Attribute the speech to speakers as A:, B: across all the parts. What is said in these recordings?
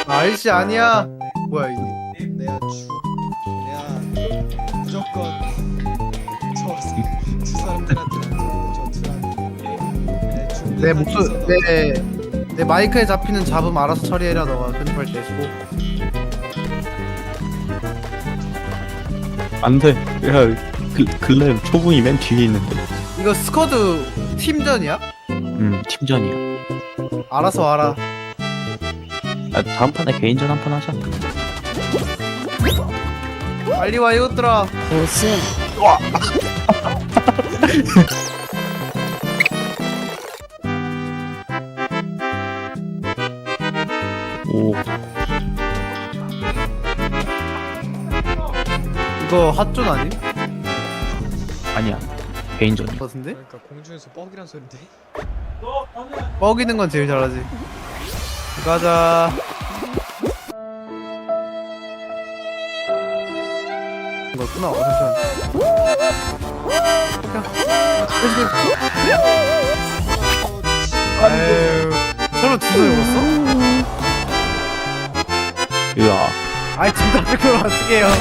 A: 아이씨 아니야. 뭐야 이게?
B: 내가 무조건 저 사람들한테
A: 내 목소 내 마이크에 잡히는 잡음 알아서 처리해라. 너가 편집할 때 수고.
C: 안돼. 야, 글램 초봉이 맨 뒤에 있는데.
A: 이거 스쿼드 팀전이야?
C: 팀전이야.
A: 알아서 알아.
C: 아, 다음 판에 개인전 한 판 하자.
A: 빨리 와 이것들아.
D: 보스
C: 오,
A: 이거 핫존 아님?
C: 아니야. 개인전이야.
A: 같은데?
B: 그러니까 공중에서 뻑이란 소린데.
A: 뻐기는 건 제일 잘하지. 가자. 이거구나. 아유, 서로 두 손을 먹었어?
C: 으아.
A: 아이 진짜 그걸 어떻게 해요?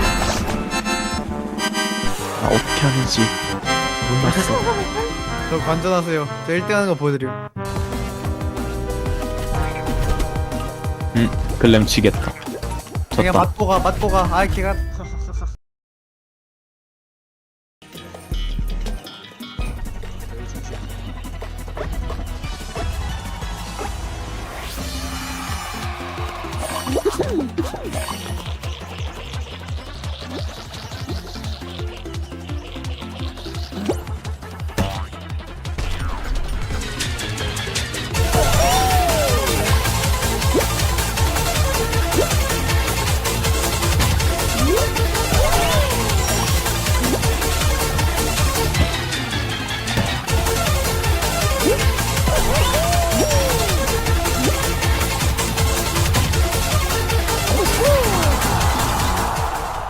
C: 아, 어떻게 하는지 몰랐어.
A: 저 관전하세요. 저 1등 하는 거 보여드려.
C: 글램 지겠다.
A: 그냥
C: 졌다.
A: 맞고 가. 아이 걔가.